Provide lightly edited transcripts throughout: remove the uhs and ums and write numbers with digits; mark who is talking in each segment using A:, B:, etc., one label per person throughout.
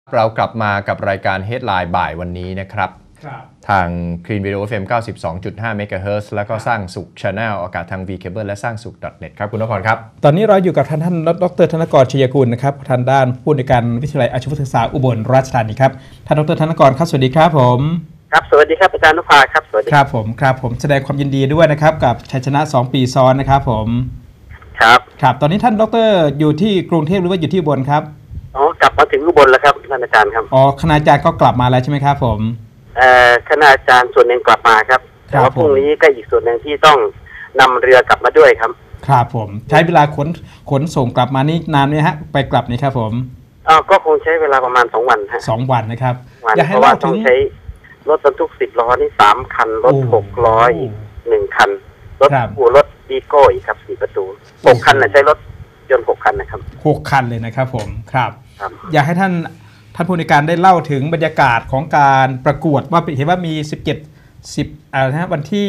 A: เรากลับมากับรายการ Headline บ่ายวันนี้นะครับทาง Clean Video FM 92.5 MHz แล้วก็สร้างสุข Channel อากาศทาง V Cable และสร้างสุข .net ครับคุณนพรครับ
B: ตอนนี้เราอยู่กับท่านดร.ธนกร ชัยกุลนะครับทางด้านผู้อำนวยการวิทยาลัยอาชีวศึกษาอุบลราชธานีครับท่านดร.ธนกรครับสวัสดีครับผม
C: ครับสวัสดีครับอาจารย์นภาครับสวัสดี
B: ครับผมแสดงความยินดีด้วยนะครับกับชัยชนะ2ปีซ้อนนะครับผมครับตอนนี้ท่านดร.อยู่ที่กรุงเทพหรือว่าอยู่ที่อุบลครับ
C: กลับมาถึงอุบลแล้วครับท่านอาจารย์ครับ
B: คณาจารย์ก็กลับมาแล้วใช่ไหมครับผม
C: คณาจารย์ส่วนหนึ่งกลับมาครับแต่ว่าพรุ่งนี้ก็อีกส่วนหนึ่งที่ต้องนำเรือกลับมาด้วยครับ
B: ครับผมใช้เวลาขนส่งกลับมานี่นานไหมฮะไปกลับนี่ครับผม
C: ก็คงใช้เวลาประมาณ2 วันฮะ
B: 2 วันนะครับ
C: เพราะว่าต้องใช้รถบรรทุก10 ล้อนี่3 คันรถ6 ล้ออีก1 คันรถวีโก้อีกครับ4 ประตู6 คันใช้รถยนต์6 คันนะครับ
B: 6 คันเลยนะครับผมครับอยากให้ท่านผู้ในการได้เล่าถึงบรรยากาศของการประกวดว่าเห็นว่ามีวันที่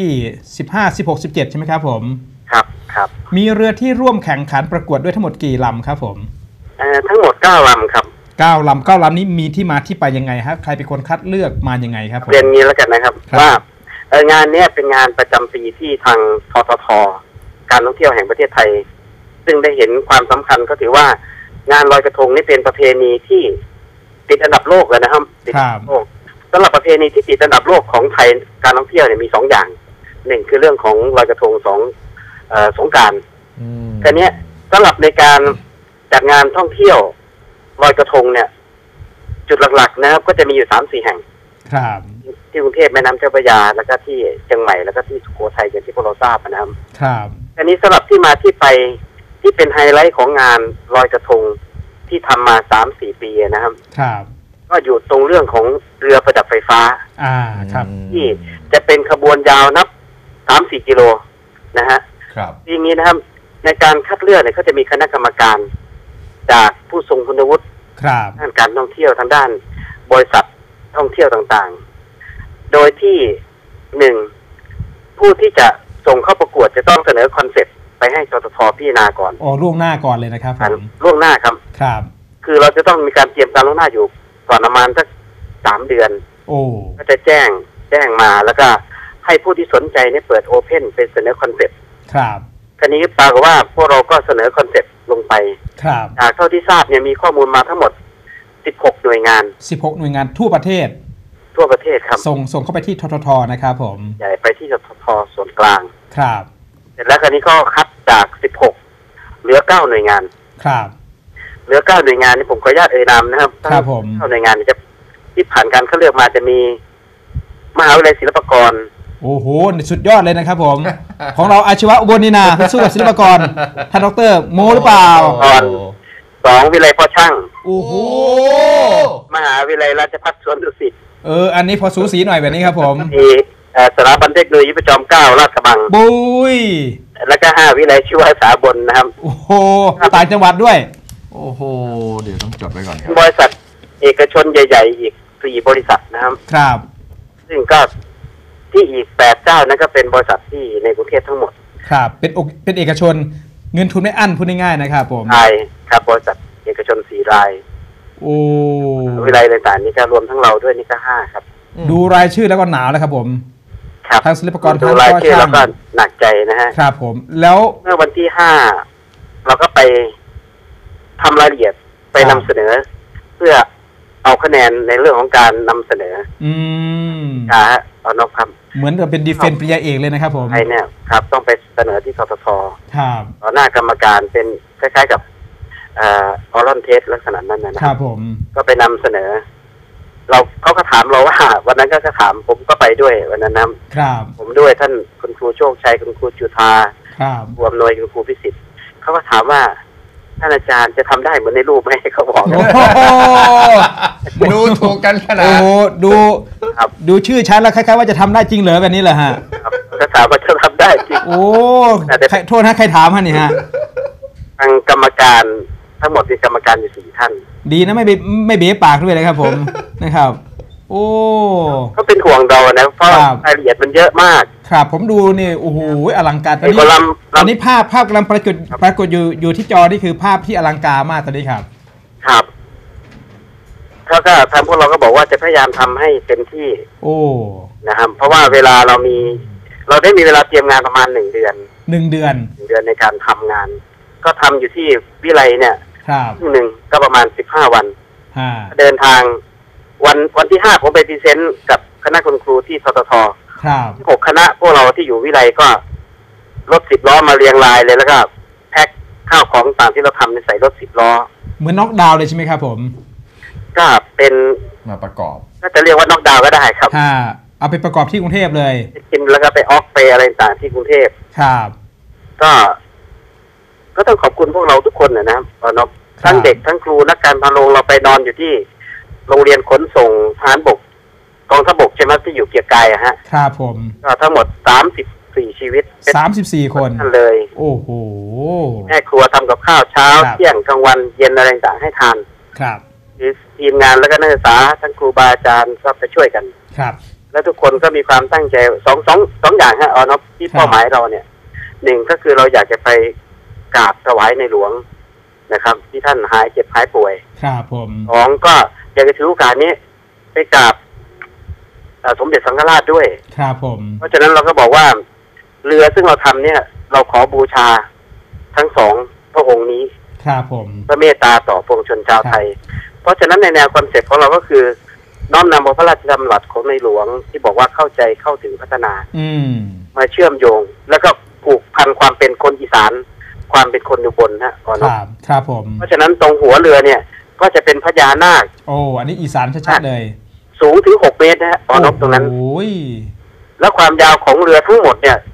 B: 15 16 17ใช่ไหมครับผม
C: ครับ
B: มีเรือที่ร่วมแข่งขันประกวดด้วยทั้งหมดกี่ลำครับผม
C: ทั้งหมด9 ลำครับ
B: 9 ลำนี้มีที่มาที่ไปยังไงครับใครเป็นคนคัดเลือกมายังไงครับ
C: เรียนนี้แล้วกันนะครับว่างานนี้เป็นงานประจำปีที่ทางททท.การท่องเที่ยวแห่งประเทศไทยซึ่งได้เห็นความสำคัญก็ถือว่างานลอยกระทงนี่เป็นประเพณีที่ติดอันดับโลกเลยนะครับติดโลกสำหรับประเพณีที่ติดอันดับโลกของไทยการท่องเที่ยวเนี่ยมี2 อย่าง1คือเรื่องของลอยกระทง2สงกรานต์แต่เนี้ยสำหรับในการจัดงานท่องเที่ยวลอยกระทงเนี่ยจุดหลักๆนะครับก็จะมีอยู่3-4 แห่งที่กรุงเทพแม่น้ำเจ้าพระยาแล้วก็ที่เชียงใหม่แล้วก็ที่สุโขทัยอย่างที่พวกเราทราบนะครับอันนี้สำหรับที่มาที่ไปที่เป็นไฮไลท์ของงานลอยกระทงที่ทำมา 3-4 ปีนะครับก็อยู่ตรงเรื่องของเรือประดับไฟฟ้าที่จะเป็นขบวนยาวนับ 3-4 กิโลนะฮะทีนี้นะครับในการคัดเลือกเนี่ยเขาจะมีคณะกรรมการจากผู้ทรงคุณวุฒิด้านการท่องเที่ยวทางด้านบริษัทท่องเที่ยวต่างๆโดยที่1ผู้ที่จะส่งเข้าประกวดจะต้องเสนอคอนเซ็ปต์ไปให้ททท.พิจารณาก่อน
B: ล่วงหน้าก่อนเลยนะครับ
C: ล่วงหน้าครับคือเราจะต้องมีการเตรียมการล่วงหน้าอยู่ก่อนประมาณสัก3 เดือนก็จะแจ้งมาแล้วก็ให้ผู้ที่สนใจเนี่ยเปิดโอเพ่นเป็นเสนอคอนเซ็ปต์คราวนี้ปรากฏว่าพวกเราก็เสนอคอนเซ็ปต์ลงไปจากเท่าที่ทราบเนี่ยมีข้อมูลมาทั้งหมด16 หน่วยงาน
B: ทั่วประเทศ
C: ครับ
B: ส่งเข้าไปที่ททท.นะครับผม
C: ใหญ่ไปที่ททท.ส่วนกลางเสร็จแล้วคราวนี้ก็คัดจาก16เหลือ9 หน่วยงานเหลือ9 หน่วยงานนี่ผมขออนุญาตเอ่ยนามนะครับ
B: ผม
C: 9 หน่วยงานจะที่ผ่านการเขาเลือกมาจะมีมหาวิทยาลัยศิลปากร
B: โอ้โหสุดยอดเลยนะครับผม ของเราอาชีวะอุบลนี่นาสู้กับศิลปากรท่านดร.โมหรือเปล่า
C: 2วิทยาลัยพ่อช่าง
B: โอ้โห
C: มหาวิทยาลัยราชภัฏสวนดุสิต
B: อันนี้พอสูสีหน่อยแบบนี้ครับผม
C: มีสถาบันเทคโนโลยีประจอมเกล้าลาดกระบัง
B: บุย
C: แล้วก็5 วิทยาลัยชีวศึกษาบนนะครับ
B: โอ้โหต่างจังหวัดด้วย
A: โอ้โหเดี๋ยวต้องจดไว้ก่อนครับ
C: บริษัทเอกชนใหญ่ๆอีก4 บริษัทนะครับซึ่งก็ที่อีก8 เจ้านั้นก็เป็นบริษัทที่ในกรุงเทพทั้งหมด
B: ครับเป็นเอกชนเงินทุนไม่อั้นพูดง่ายๆนะครับผม
C: ใช่ครับบริษัทเอกชน4 รายวิทยาลัยต่างๆนี่ก็รวมทั้งเราด้วยนี่ก็5ครับ
B: ดูรายชื่อแล้วก็หนาวแล้วครับผมทางศิลปากร
C: ดูรายชื่อแล้วก็หนักใจนะฮะ
B: ครับผมแล้ว
C: เมื่อวันที่5เราก็ไปทำรายละเอียดไปนำเสนอเพื่อเอาคะแนนในเรื่องของการนำเสนอเอานอกคำ
B: เหมือนกับเป็นดีเฟนต์ปริญญาเอกเลยนะครับผม
C: ใช่เนี่ยครับต้องไปเสนอที่ททท.ต่อหน้ากรรมการเป็นคล้ายๆกับออรัลเทสลักษณะนั้นนะครับ
B: ผม
C: ก็ไปนำเสนอเขาก็ถามเราว่าวันนั้นก็ถามผมก็ไปด้วยวันนั้น
B: นะครับ
C: ผมด้วยท่านคุณครูโชคชัยคุณครูจุฑาครูอำนวยคุณครูพิสิทธิ์เขาก็ถามว่าท่านอาจารย์จะทำได้เหมือนในรูปไหมเขาบอก
A: ดูถูกกันขนาด
B: ดูชื่อชั้นแล้วคล้ายๆว่าจะทำได้จริงเหรอแบบนี้เหรอฮะ
C: ก็ถามว่าจะทำได้จริง
B: โทษนะใครถามฮะนี่ฮะ
C: ทางกรรมการทั้งหมดมีกรรมการอยู่4 ท่าน
B: ดีนะไม่เบี้ยปากด้วยนะครับผมนะครับโอ้
C: ก็เป็นห่วงเรานะเพราะรายละเอียดมันเยอะมาก
B: ครับผมดูนี่โอ้โหอลังการตอนนี้ภาพกำลังปรากฏอยู่ที่จอนี่คือภาพที่อลังการมากตอนนี้ครับ
C: ครับ คก็ทางพวกเราก็บอกว่าจะพยายามทำให้เต็มที่
B: โอ้
C: นะครับเพราะว่าเวลาเราได้มีเวลาเตรียมงานประมาณ1 เดือน
B: 1 เดือน
C: ในการทำงาน ก็ทำอยู่ที่วิไลเนี่ย
B: ครับ
C: หนึ่งก็ประมาณ15 วัน
B: ฮ่า
C: เดินทางวันที่5ผมไปพรีเซนต์กับคณะคุณครูที่ททท.
B: ครับ
C: 6 คณะพวกเราที่อยู่วิไลก็รถ10 ล้อมาเรียงรายเลยแล้วก็แพ็คข้าวของต่างที่เราทำในใส่รถ10 ล้อ
B: เหมือนน็อกดาวน์เลยใช่ไหมครับผม
C: ก็เป็น
A: มาประกอบ
C: ก็จะเรียกว่าน็อกดาวน์ก็ได้ครับ
B: เอาไปประกอบที่กรุงเทพเลย
C: กินแล้วก็ไปออกไปอะไรต่างที่กรุงเทพ
B: ครับ
C: ก็ต้องขอบคุณพวกเราทุกคนนะครับทั้งเด็กทั้งครูนักการพาโรงเราไปนอนอยู่ที่โรงเรียนขนส่งทหารบกกองทัพบกใช่ไหมที่อยู่เกียรติกายฮะ
B: ครับผม
C: ก็ทั้งหมด34 ชีวิต
B: 34 คน
C: นั่นเลย
B: โอ้โห
C: แม่ครัวทำกับข้าวเช้าเที่ยงกลางวันเย็นอะไรต่างให้ทาน
B: ครับ
C: ทีมงานแล้วก็นักศึกษาทั้งครูบาอาจารย์ก็ไปช่วยกัน
B: ครับ
C: แล้วทุกคนก็มีความตั้งใจสองอย่างฮะที่เป้าหมายเราเนี่ย1ก็คือเราอยากจะไปกราบถวายในหลวงนะครับที่ท่านหายเจ็บหายป่วย
B: ครับผม
C: 2ก็อยากจะถือโอกาสนี้ไปกราบสมเด็จสังฆราชด้วย
B: ครับผม
C: เพราะฉะนั้นเราก็บอกว่าเรือซึ่งเราทำเนี่ยเราขอบูชาทั้ง2 พระองค์นี้
B: ครับผม
C: พระเมตตาต่อปวงชนชาวไทยเพราะฉะนั้นในแนวคอนเซ็ปต์ของเราก็คือน้อมนำพระราชดำรัสของในหลวงที่บอกว่าเข้าใจเข้าถึงพัฒนามาเชื่อมโยงแล้วก็ผูกพันความเป็นคนอีสานความเป็นคนอยู่บน
B: ครับผม
C: เพราะฉะนั้นตรงหัวเรือเนี่ยก็จะเป็นพญานาค
B: โอ้อันนี้อีสานชัดๆเลย
C: สูงถึง6 เมตรนะฮะตรงนั้นแล้วความยาวของเรือทั้งหมดเนี่ย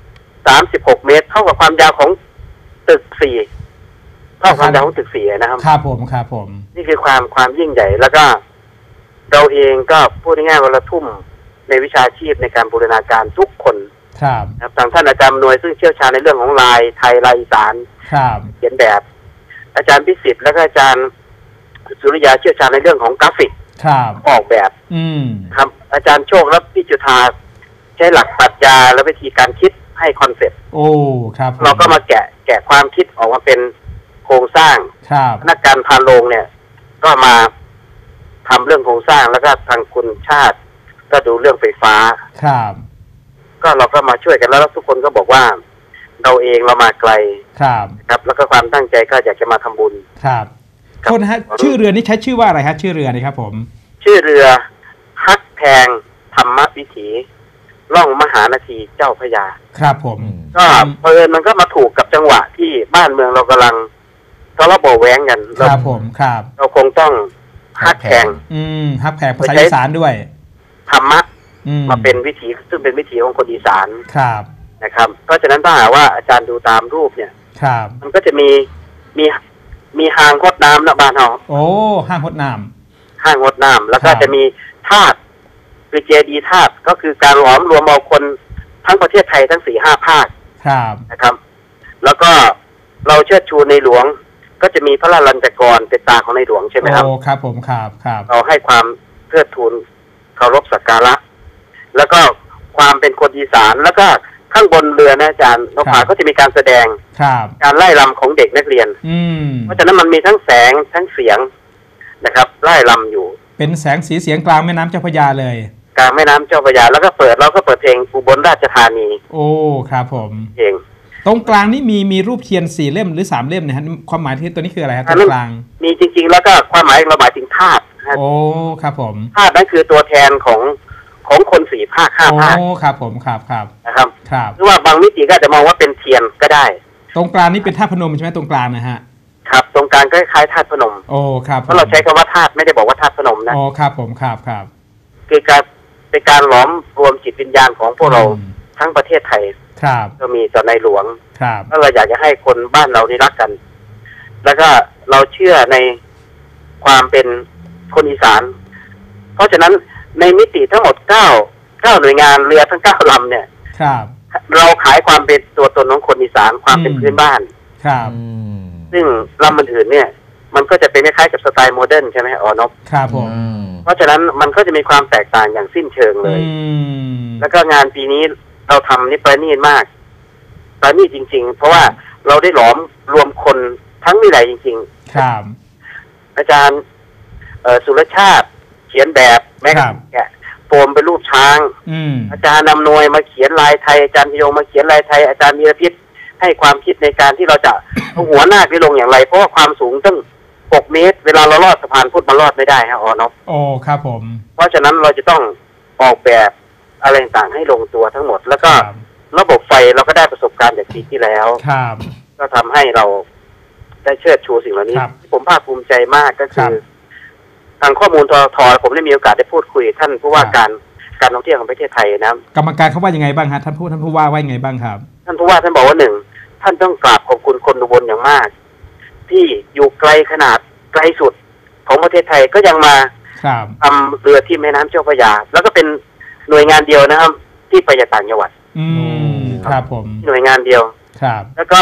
C: 36 เมตรเท่ากับความยาวของตึก4เท่าความยาวของตึก4นะครับ
B: ครับผม
C: นี่คือความยิ่งใหญ่แล้วก็เราเองก็พูดง่ายๆว่าเราทุ่มในวิชาชีพในการบูรณาการทุกคน
B: ครับ
C: ทางท่านอาจารย์หน่วยซึ่งเชี่ยวชาญในเรื่องของลายไทยลายอีสานเขียนแบบอาจารย์พิสิทธิ์และก็อาจารย์สุริยาเชี่ยวชาญในเรื่องของกราฟิกออกแบบครับอาจารย์โชคและพี่จุฑาใช้หลักปรัชญาและวิธีการคิดให้คอนเซ็ปต์
B: โอ้ครับ
C: เราก็มาแกะความคิดออกมาเป็นโครงสร้างนักการพาโรงเนี่ยก็มาทำเรื่องโครงสร้างแล้วก็ทางคุณชาติก็ดูเรื่องไฟฟ้า
B: ครับ
C: ก็เราก็มาช่วยกันแล้วทุกคนก็บอกว่าเราเองเรามาไกลครับแล้วก็ความตั้งใจก็อยากจะมาทำบุญ
B: ครับโทษนะฮะชื่อเรือนี้ใช้ชื่อว่าอะไรครับชื่อเรือนี่ครับผม
C: ชื่อเรือฮักแพงธรรมวิถีล่องมหานาทีเจ้าพระยา
B: ครับผม
C: ก็เพลินมันก็มาถูกกับจังหวะที่บ้านเมืองเรากำลังทะเลาะเบาแหวงกัน
B: ครับผมครับ
C: เราคงต้องฮักแพง
B: ฮักแพงภาษาอีสานด้วย
C: ธรรมะมาเป็นวิถีซึ่งเป็นวิถีของคนอีสาน
B: ครับ
C: นะครับเพราะฉะนั้นถ้าหากว่าอาจารย์ดูตามรูปเนี่ยมันก็จะมีหางหดน้ำนะบ้านเรา
B: โอ้ห้างหดน้
C: ำแล้วก็จะมีธาตุคือเจดีย์ธาตุก็คือการหลอมรวมเอาคนทั้งประเทศไทยทั้ง4-5 ภาคนะครับแล้วก็เราเชิดชูในหลวงก็จะมีพระราลัญจกรเป็นตาของในหลวงใช่ไหมครับ
B: โอ้ครับผมครับ
C: เราให้ความเทิดทูนเคารพสักการะแล้วก็ความเป็นคนอีสานแล้วก็ข้างบนเรือนะอาจารย์นภาก็จะมีการแสดงการไล่รำของเด็กนักเรียนเพราะฉะนั้นมันมีทั้งแสงทั้งเสียงนะครับไล่รำอยู่
B: เป็นแสงสีเสียงกลางแม่น้ำเจ้าพระยาเลย
C: กลางแม่น้ำเจ้าพระยาแล้วก็เราก็เปิดเพลงอุบลราชธานี
B: โอ้ครับผม
C: เอง
B: ตรงกลางนี่มีรูปเทียน4 เล่มหรือ3 เล่มนะฮะความหมายที่ตัวนี้คืออะไรครับตรงกลาง
C: มีจริงๆแล้วก็ความหมายเราหมายถึงธาตุ
B: โอ้ครับผม
C: ธาตุนั่นคือตัวแทนของคน4 ภาค5 ภาค
B: โอ้ครับผมครับ
C: นะครับหรือว่าบางมิติก็จะมองว่าเป็นเทียนก็ได้
B: ตรงกลางนี่เป็นธาตุพนมใช่ไหมตรงกลางนะฮะ
C: ครับตรงกลางก็คล้ายธาตุพนม
B: โอ้ครับ
C: เพราะเราใช้คำว่าธาตุไม่ได้บอกว่าธาตุพนมนะ
B: โอ้ครับผมครับ
C: คือการเป็นการหลอมรวมจิตวิญญาณของพวกเราทั้งประเทศไทยก็มีต่อในหลวงแล้วเราอยากจะให้คนบ้านเรานี่รักกัน แล้วก็เราเชื่อในความเป็นคนอีสานเพราะฉะนั้นในมิติทั้งหมด9หน่วยงานเรือทั้ง9 ลำเนี่ยเราขายความเป็นตัวตนของคนอีสานความเป็นพื้นบ้านซึ่งลำอื่นเนี่ยมันก็จะเป็นคล้ายๆกับสไตล์โมเดิร์นใช่ไหมนพ
B: ครับผม
C: เพราะฉะนั้นมันก็จะมีความแตกต่างอย่างสิ้นเชิงเลยแล้วก็งานปีนี้เราทำนี่ประณีตมากประณีตจริงๆเพราะว่าเราได้หลอมรวมคนทั้งวิไลจริงๆ
B: ครับ
C: อาจารย์สุรชาติเขียนแบบแม้กระทั่งแกะโฟมเป็นรูปช้างอาจารย์นำนวยมาเขียนลายไทยอาจารย์พิโยมาเขียนลายไทยอาจารย์มีรพิษให้ความคิดในการที่เราจะเอาหัวหน้าไปลงอย่างไรเพราะว่าความสูงตั้ง6 เมตรเวลาเราลอดสะพานพุทธมาลอดไม่ได้ฮะนบ
B: โอ้ครับผม
C: เพราะฉะนั้นเราจะต้องออกแบบอะไรต่างๆให้ลงตัวทั้งหมดแล้วก็ระบบไฟเราก็ได้ประสบการณ์จากปีที่แล้วก็ทำให้เราได้เชิดชูสิ่งเหล่านี้ผมภาคภูมิใจมากก็คือทางข้อมูลทผมได้มีโอกาสได้พูดคุยท่านผู้ว่าการท่องเที่ยวของประเทศไทยนะ
B: กรรมการเขาว่ายังไงบ้างฮะท่านผู้ว่าว่ายังไงบ้างครับ
C: ท่านผู้ว่าท่านบอกว่า1ท่านต้องกราบขอบคุณคนอุบลอย่างมากที่อยู่ไกลขนาดไกลสุดของประเทศไทยก็ยังมาทำเรือที่แม่น้ำเจ้าพระยาแล้วก็เป็นหน่วยงานเดียวนะครับที่ไปจากต่างจังหวัด
B: ครับผม
C: หน่วยงานเดียว
B: ครับ
C: แล้วก็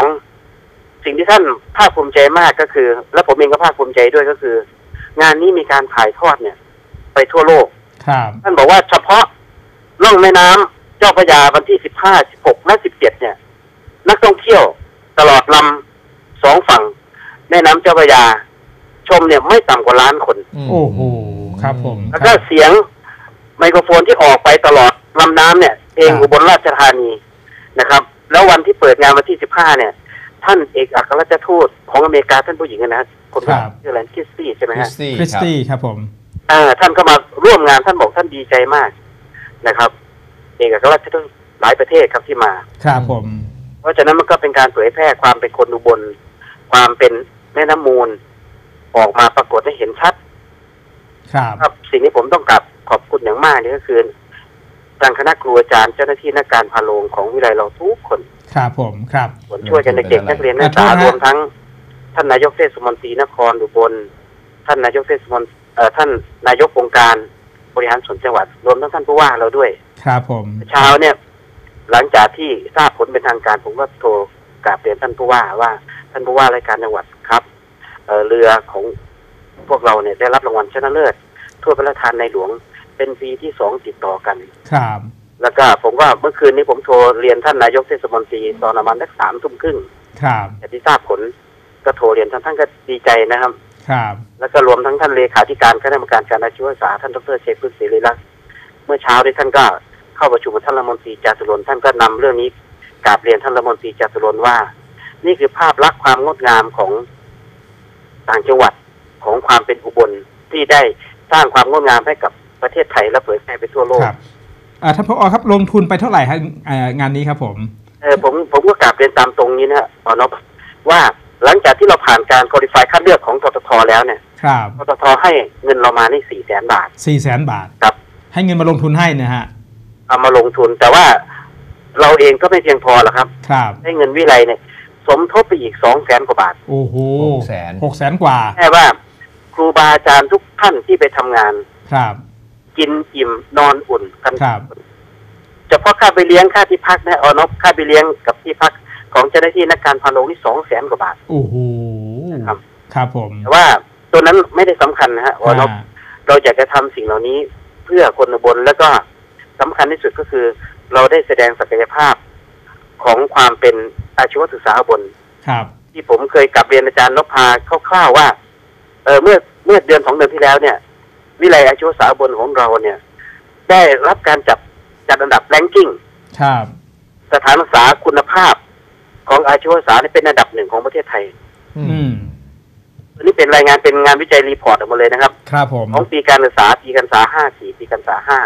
C: 2สิ่งที่ท่านภาคภูมิใจมากก็คือและผมเองก็ภาคภูมิใจด้วยก็คืองานนี้มีการถ่ายทอดเนี่ยไปทั่วโลกท่านบอกว่าเฉพาะล่องแม่น้ำเจ้าพระยาวันที่15 16และ17เนี่ยนักท่องเที่ยวตลอดลำ2 ฝั่งแม่น้ำเจ้าพระยาชมเนี่ยไม่ต่ำกว่า1 ล้านคน
B: โอ้โหครับผม
C: แล้วก็เสียงไมโครโฟนที่ออกไปตลอดลำน้ำเนี่ยเพลงอุบลราชธานีนะครับแล้ววันที่เปิดงานวันที่15เนี่ยท่านเอกอัครราชทูตของอเมริกาท่านผู้หญิงนะคนชื่ออะไรคริสตี้ใช่ไหมฮะ
B: คริสตี้ครับผม
C: ท่านก็มาร่วมงานท่านบอกท่านดีใจมากนะครับเอกอัครราชทูตหลายประเทศครับที่มา
B: ครับผม
C: เพราะฉะนั้นมันก็เป็นการเผยแพร่ความเป็นคนอุบลความเป็นแม่น้ำมูลออกมาปรากฏให้เห็นชัด
B: ครับ
C: สิ่งที่ผมต้องกราบขอบคุณอย่างมากนี่ก็คือทางคณะครูอาจารย์เจ้าหน้าที่นักการพาโรงของวิทยาลัยเราทุกคน
B: ครับผมครับ
C: ช่วยกันเด็กๆนักเรียนนักศึกษารวมทั้งท่านนายกเทศมนตรีนครอุบลท่านนายกเทศมนตรีท่านนายกองค์การบริหารส่วนจังหวัดรวมทั้งท่านผู้ว่าเราด้วย
B: ครับผม
C: เช้าเนี่ยหลังจากที่ทราบผลเป็นทางการผมก็โทรกราบเรียนท่านผู้ว่าท่านผู้ว่ารายการจังหวัดครับเรือของพวกเราเนี่ยได้รับรางวัลชนะเลิศทั่วพระราชทานในหลวงเป็นปีที่2ติดต่อกัน
B: ครับ
C: แล้วก็ผมว่าเมื่อคืนนี้ผมโทรเรียนท่านนายกเทศมนตรีตอนประมาณสัก3 ทุ่มครึ่ง
B: ครับ
C: แต่ที่ทราบผลก็โทรเรียนท่านก็ดีใจนะครับ
B: ครับ
C: แล้วก็รวมทั้งท่านเลขาธิการคณะกรรมการการอาชีวศึกษาท่านดร.เชษฐ์ พฤกษ์ศิริลักษณ์เมื่อเช้าที่ท่านก็เข้าประชุมกับท่านรัฐมนตรีจาตุรนต์ท่านก็นำเรื่องนี้กราบเรียนท่านรัฐมนตรีจาตุรนต์ว่านี่คือภาพลักษณ์ความงดงามของต่างจังหวัดของความเป็นอุบลที่ได้สร้างความงดงามให้กับประเทศไทยและเผยแพร่ไปทั่วโลก
B: ท่านผอ.ครับลงทุนไปเท่าไหร่ฮะงานนี้ครับผม
C: ผมก็กราบเรียนตามตรงนี้นะฮะนบว่าหลังจากที่เราผ่านการคุริฟายคัดเลือกของททท.แล้วเนี่ยททท.ให้เงินเรามาใน400,000 บาท
B: 400,000 บาท
C: ครับ
B: ให้เงินมาลงทุนให้นะฮะ
C: เอามาลงทุนแต่ว่าเราเองก็ไม่เพียงพอหรอกครับให้เงินวิไลเนี่ยสมทบไปอีก200,000 กว่าบาท
B: โอ้โห600,000 กว่า
C: แค่ว่าครูบาอาจารย์ทุกท่านที่ไปทำงานกินอิ่มนอนอุ่นกันเฉพาะค่าไปเลี้ยงค่าที่พักนะนบค่าไปเลี้ยงกับที่พักของเจ้าหน้าที่นักการพาโรงนี่200,000 กว่าบาท
B: โอ้โหครับผม
C: แต่ว่าตัวนั้นไม่ได้สำคัญนะฮะนบเราอยากจะทำสิ่งเหล่านี้เพื่อคนอุบลแล้วก็สำคัญที่สุดก็คือเราได้แสดงศักยภาพของความเป็นอาชีวศึกษาอุบลที่ผมเคยกลับเรียนอาจารย์นพพาคร่าวๆว่าเมื่อเดือน2 เดือนที่แล้วเนี่ยวิทยาลัยอาชีวศึกษาอุบลของเราเนี่ยได้รับการจัดอันดับแรงกิ้งสถานศึกษาคุณภาพของอาชีวศึกษาเป็นอันดับ1ของประเทศไทยอันนี้เป็นรายงานเป็นงานวิจัยรีพอร์ตออกมาเลยนะครับของปีการศึกษาปีการศึกษา54ปีการศึกษา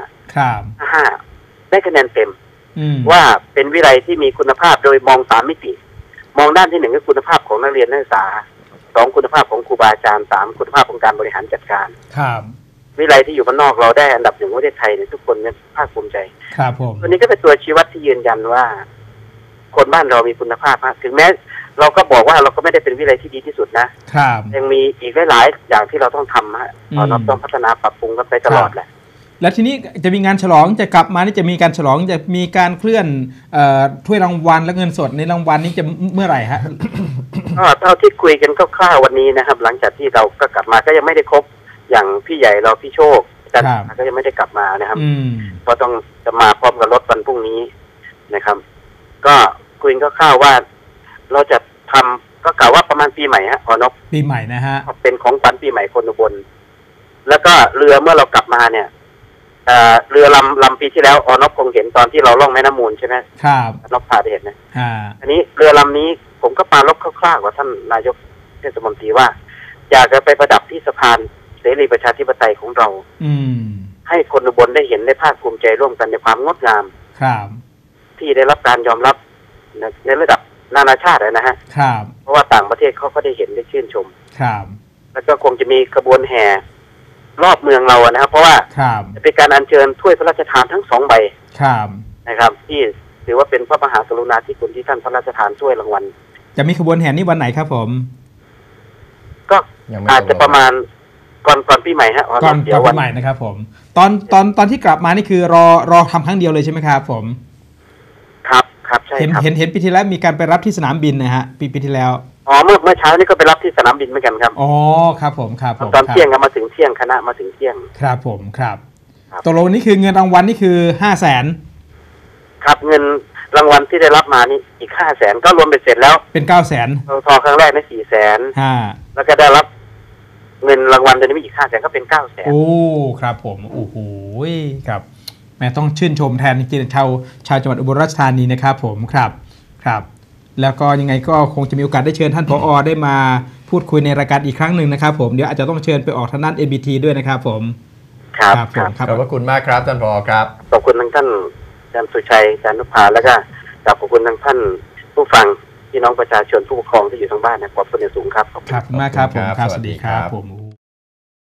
C: 55ได้คะแนนเต็มว่าเป็นวิทยาลัยที่มีคุณภาพโดยมอง3 มิติมองด้านที่1คือคุณภาพของนักเรียนนักศึกษา2คุณภาพของครูบาอาจารย์3คุณภาพของการบริหารจัดการวิทยาลัยที่อยู่บ้านนอกเราได้อันดับ1ของประเทศไทยเนี่ยทุกคนเนี่ยภาคภูมิใจตัวนี้ก็เป็นตัวชี้วัดที่ยืนยันว่าคนบ้านเรามีคุณภาพมากถึงแม้เราก็บอกว่าเราก็ไม่ได้เป็นวิทยาลัยที่ดีที่สุดนะยังมีอีกหลายๆอย่างที่เราต้องทำฮะเราต้องพัฒนาปรับปรุงกันไปตลอดแหละ
B: แล้วทีนี้จะมีงานฉลองจะกลับมานี่จะมีการฉลองจะมีการเคลื่อนถ้วยรางวัลและเงินสดในรางวัลนี้จะเมื่อไหร่ฮะ
C: เท่าที่คุยกันคร่าวๆวันนี้นะครับหลังจากที่เราก็กลับมาก็ยังไม่ได้ครบอย่างพี่ใหญ่เราพี่โชคก็ยังไม่ได้กลับมานะครับเพราะต้องจะมาพร้อมกับรถวันพรุ่งนี้นะครับก็คุยกันคร่าวๆว่าเราจะทำก็กล่าวว่าประมาณปีใหม่ฮะนบ
B: ปีใหม่นะฮะ
C: เป็นของขวัญปีใหม่คนอุบลแล้วก็เรือเมื่อเรากลับมาเนี่ยเรือลำปีที่แล้วอนบคงเห็นตอนที่เราล่องแม่น้ำมูลใช่ไหม
B: ครับ
C: นบพาไปเห็นนะ
B: อ่า
C: อันนี้เรือลำนี้ผมก็ปรารภคร่าวๆกับท่านนายกเทศมนตรีว่าอยากจะไปประดับที่สะพานเสรีประชาธิปไตยของเราให้คนอุบลได้เห็นได้ภาคภูมิใจร่วมกันในความงดงาม
B: ครับ
C: ที่ได้รับการยอมรับในระดับนานาชาตินะฮะ
B: ครับ
C: เพราะว่าต่างประเทศเขาก็ได้เห็นได้ชื่นชม
B: ครับ
C: แล้วก็คงจะมีขบวนแห่รอบเมืองเรานะครับเพราะว่าจะเป็นการอัญเชิญถ้วยพระราชทานทั้ง2 ใบนะครับที่ถือว่าเป็นพระมหากรุณาธิคุณที่ท่านพระราชทานถ้วยรางวัล
B: จะมีขบวนแห่นี้วันไหนครับผม
C: ก็อาจจะประมาณก่อนปีใหม่ฮะ
B: ก่อนปีใหม่นะครับผมตอนที่กลับมานี่คือรอทำครั้งเดียวเลยใช่ไหมครับผม
C: ครับใช่ครับ
B: เห็นปีที่แล้วมีการไปรับที่สนามบินนะฮะปีที่แล้ว
C: เมื่อเช้านี่ก็ไปรับที่สนามบินเหมือนกันครับ
B: อ๋อครับผมครับ
C: ตอนเที่ยงก็มาถึงเที่ยงคณะมาถึงเที่ยง
B: ครับผมครับตกลงนี่คือเงินรางวัลนี่คือ500,000
C: ครับเงินรางวัลที่ได้รับมานี่อีก500,000ก็รวมเป็นเสร็จแล้ว
B: เป็น900,000
C: ทอครั้งแรกนี่400,000แล้วก็ได้รับเงินรางวัลตัวนี้อีก500,000ก็เป็น900,000
B: โอ้ครับผมโอ้โหครับแม่ต้องชื่นชมแทนจริงๆชาวจังหวัดอุบลราชธานีนะครับผมครับแล้วก็ยังไงก็คงจะมีโอกาสได้เชิญท่านผอ.ได้มาพูดคุยในรายการอีกครั้งหนึ่งนะครับผมเดี๋ยวอาจจะต้องเชิญไปออกทางด้าน NBT ด้วยนะครับผม
C: ครับ
A: ขอบพระคุณมากครับท่านผอ.ครับ
C: ขอบคุณทั้งท่านอาจารย์สุชัยอาจารย์นุภาแล้วก็ขอบคุณทั้งท่านผู้ฟังพี่น้องประชาชนผู้ปกครองที่อยู่ทางบ้านนะขอบคุณอย่างสูงครับ
B: ขอบคุณมากครับผมครับสวัสดีครับผม